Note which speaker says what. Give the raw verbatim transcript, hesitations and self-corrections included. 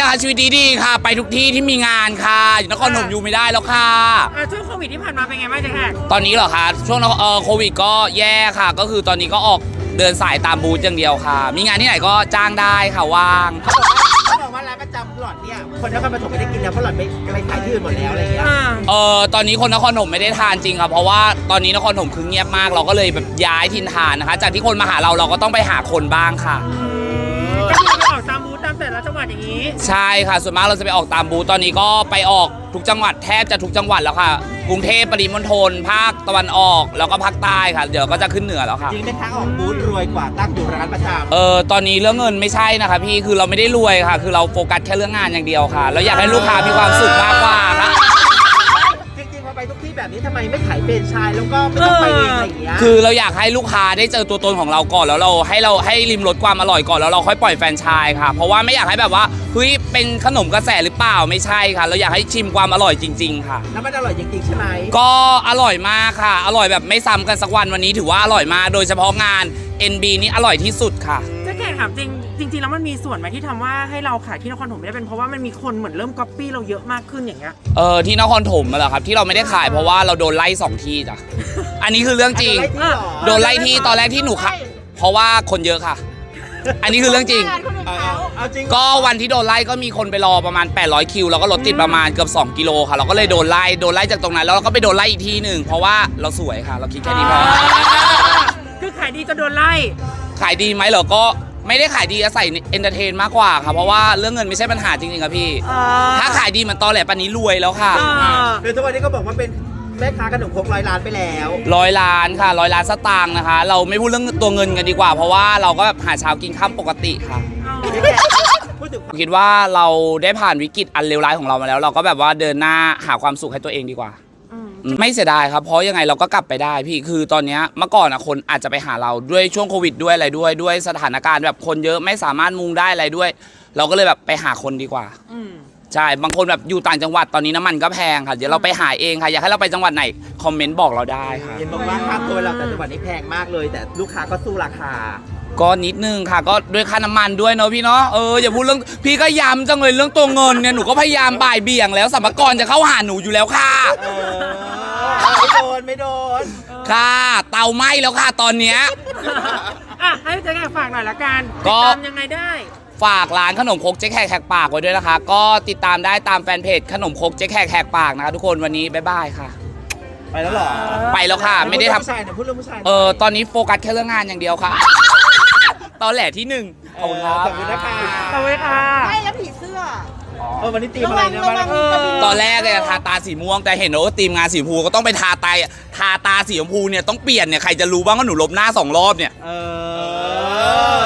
Speaker 1: นะคะชีวิตดีๆค่ะไปทุกที่ที่มีงานค่ะอยู่นครพนมอยู่ไม่ได้แล้วค่ะ
Speaker 2: ช่วงโควิดที่ผ่านมาเป็นไงบ้างจ๊ะแขก
Speaker 1: ตอนนี้เหรอคะช่วงเอ่อโควิดก็แย่ค่ะก็คือตอนนี้ก็ออกเดินสายตามบูธอย่างเดียวค่ะมีงานที่ไหนก็จ้างได้ค่ะว่าง
Speaker 3: เขาบอกว่าร้านประจำหลอดเนี่ยคนนครปฐมไม่ได้กินแล้วเพราะหลอดไปไปขายที่อื่นหมดแล้วอะไรเงี้ย
Speaker 1: เออตอนนี้คนนครปฐมไม่ได้ทานจริงครับเพราะว่าตอนนี้นครปฐมคือเงียบมากเราก็เลยแบบย้ายถิ่นฐานนะคะจากที่คนมาหาเราเราก็ต้องไปหาคนบ้างค่ะ
Speaker 2: ก็คือไปออกตามบูธตามแต่ละจังหวัดอย่างนี้
Speaker 1: ใช่ค่ะส่วนมากเราจะไปออกตามบูธตอนนี้ก็ไปออกทุกจังหวัดแทบจะทุกจังหวัดแล้วค่ะกรุงเทพปริมณฑลภาคตะวันออกแล้วก็ภาคใต้ค่ะเดี๋ยวก็จะขึ้นเหนือแล้วค่ะ
Speaker 3: จริงไหมคะออกบูธรวยกว่าตั้งอยู่ร้านประจำ
Speaker 1: เออตอนนี้เรื่องเงินไม่ใช่นะคะพี่คือเราไม่ได้รวยค่ะคือเราโฟกัสแค่เรื่องงานอย่างเดียวค่ะเราอยากให้ลูกค้ามีความสุขมากกว่าค่ะ
Speaker 3: จริงๆพอไปทุกที่แบบนี้ทำไมไม่ขายเป็นชายแล้วก็ไม่ต้องไปเองอะไรอย่างเงี้ย
Speaker 1: คือเราอยากให้ลูกค้าได้เจอตัวตนของเราก่อนแล้วเราให้เราให้ริมรสความอร่อยก่อนแล้วเราค่อยปล่อยแฟรนไชส์ค่ะเพราะว่าไม่อยากให้แบบว่าเฮ้ยเป็นขนมกระแสหรือเปล่าไม่ใช่ค่ะเราอยากให้ชิมความอร่อยจริงๆค่ะ
Speaker 3: แล้วมันอร่อยจริงๆใช่ไหม
Speaker 1: ก็อร่อยมากค่ะอร่อยแบบไม่ซ้ำกันสักวันวันนี้ถือว่าอร่อยมากโดยเฉพาะงาน เอ็น บี นี่อร่อยที่สุดค่ะ
Speaker 2: จะแค่ถามจริงจริงๆแล้วมันมีส่วนไหมที่ทำว่าให้เราขายที่นครปฐมไม่ได้เป็นเพราะว่ามันมีคนเหมือนเริ่มก๊อปปี้เราเยอะมากขึ้นอย่างเงี้ย
Speaker 1: เออที่นครปฐมเหรอครับที่เราไม่ได้ขายเพราะว่าเราโดนไล่สองที่จ้ะอันนี้คือเรื่องจริงโดนไล่ที่ตอนแรกที่หนูค่ะเพราะว่าคนเยอะค่ะอันนี้คือเรื่องจริงก็วันที่โดนไล่ก็มีคนไปรอประมาณแปดร้อยคิวแล้วก็รถติดประมาณเกือบสองกิโลค่ะเราก็เลยโดนไล่โดนไล่จากตรงนั้นแล้วเราก็ไปโดนไล่อีกทีหนึ่งเพราะว่าเราสวยค่ะเราคิดแค่นี้พอ
Speaker 2: คือขายดีจะโดนไล่
Speaker 1: ขายดีไหมเหรอก็ไม่ได้ขายดีอาศัยเอนเตอร์เทนมากกว่าค่ะเพราะว่าเรื่องเงินไม่ใช่ปัญหาจริงๆครับพี่ถ้าขายดีมันตอแหลปานนี้รวยแล้วค่ะ
Speaker 3: คือทุกวันนี้ก็บอกว่าเป็นแม่ค้าขนมครกร้อยล้านไปแล้ว
Speaker 1: ร้อยล้านค่ะร้อยล้านสตางค์นะคะเราไม่พูดเรื่องตัวเงินกันดีกว่าเพราะว่าเราก็แบบหาเช้ากินข้ามปกติค่ะคิดว่าเราได้ผ่านวิกฤตอันเลวร้ายของเรามาแล้วเราก็แบบว่าเดินหน้าหาความสุขให้ตัวเองดีกว่าไม่เสียดายครับเพราะยังไงเราก็กลับไปได้พี่คือตอนนี้เมื่อก่อนอะคนอาจจะไปหาเราด้วยช่วงโควิดด้วยอะไรด้วยด้วยสถานการณ์แบบคนเยอะไม่สามารถมุงได้อะไรด้วยเราก็เลยแบบไปหาคนดีกว่าใช่บางคนแบบอยู่ต่างจังหวัดตอนนี้น้ำมันก็แพงค่ะเดี๋ยวเราไปหาเองค่ะอยากให้เราไปจังหวัดไหนคอมเมนต์บอกเราได้ค่ะ
Speaker 3: เห็นบอกว่าค่าตัวเราแต่จังหวัดนี้แพงมากเลยแต่ลูกค้าก็สู้ราคา
Speaker 1: ก็นิดนึงค่ะก็ด้วยค่าน้ำมันด้วยเนาะพี่เนาะเอออย่าพูดเรื่องพี่ก็ย้ำจังเลยเรื่องตัวเงินเนี่ยหนูก็พยายามบ่ายเบี่ยงแล้วสรรพากรจะเข้าหาหนูอยู่แล้วค่ะ
Speaker 3: ไม่โดนไม่โดน
Speaker 1: ค่ะเตาไหม้แล้วค่ะตอนเนี้ย
Speaker 2: อ่ะให้เจ๊แขกฝากหน่อยละกันติดตามยังไงได้
Speaker 1: ฝากร้านขนมครกเจ๊แขกแหกปากไว้ด้วยนะคะก็ติดตามได้ตามแฟนเพจขนมครกเจ๊แขกแหกปากนะคะทุกคนวันนี้บ๊ายบายค่ะ
Speaker 3: ไปแล้วหรอ
Speaker 1: ไปแล้วค่ะไม่ได้ท
Speaker 3: ำพูดเรื่องผู้ชาย
Speaker 1: เออตอนนี้โฟกัสแค่เรื่องงานอย่างเดียวค่ะตอนแหลที่หนึ่ง
Speaker 3: ขอบคุณครับขอบคุณนะคะ
Speaker 2: ขอบคุณค่ะ
Speaker 4: ใช่แล้วผีเสื้อ
Speaker 3: เออวันนี้ตีมอะไรเนี่ยมา
Speaker 1: ตอนแรกเลยทาตาสีม่วงแต่เห็นว่าตีมงานสีชมพูก็ต้องไปทาตาทาตาสีชมพูเนี่ยต้องเปลี่ยนเนี่ยใครจะรู้บ้างว่าหนูลบหน้าสองรอบเนี่ย
Speaker 3: เออ